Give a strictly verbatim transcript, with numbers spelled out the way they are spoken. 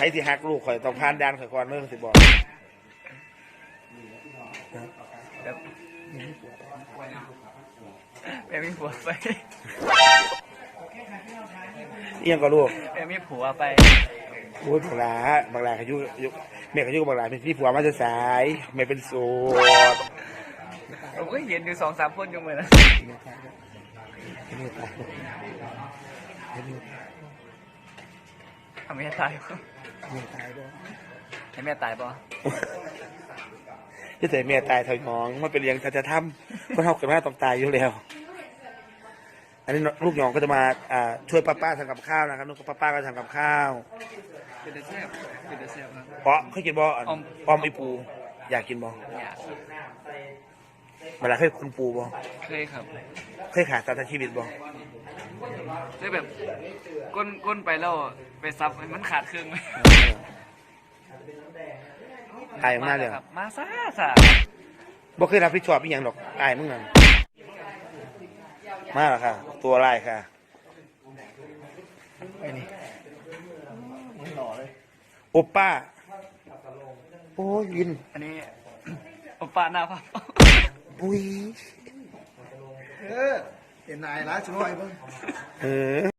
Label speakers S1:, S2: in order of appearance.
S1: รที่หักลูกข่อยต้องผ่านด่านข่อยก่อนเมื่อสิบอก
S2: แบบแม่มีผัวไป
S1: เอียงก็ลูก
S2: แม่มีผัวไป
S1: โอ้ยบังลาบังลาเขายุยุแม่เขายุบังลาเป็นพี่ผัวมาจะสายไม่เป็นโสด
S2: ผมก็เห็นอยู่สองสามคนอยู่เหมือนกันทำไมตายให้แม่ตายป่ะ
S1: จะแต่แม่ตายถอยมองมันเป็นเลี้ยงจะจะทำก็เท่ากับแม่ต้องตายอยู่แล้วอันนี้ลูกหยองก็จะมาช่วยป้าป้าทำกับข้าวนะครับลูกป้าป้าก็ทำกับข้าว
S2: เป็นเดซเซ่เป็นเดซเซ่ครับ
S1: เพราะเคยกินบ่อออมไอปูอยากกินบ่
S2: อยาก
S1: เวลาเคยคุณปูบ่
S2: เคยครับ
S1: เคยขาดตาชีวิตบ่
S2: เคยแบบก้นก้นไปแล้วไปซับมันขาดครึ่งไหม
S1: ตายมากเลย
S2: มาซ่าซะ
S1: บ่เคยรับผิดชอบอีหยังหรอกตายมึงนั่นมาแล้วค่ะตัวลายค่ะ
S2: ไอ้นี่มันหล่อเลย
S1: โอป้าโอ้ยยิน
S2: อันนี้โอป้าหน้าพับ
S1: ปุ้ย
S3: เออเห็นนายร้านช่วยบ้าง
S1: เออ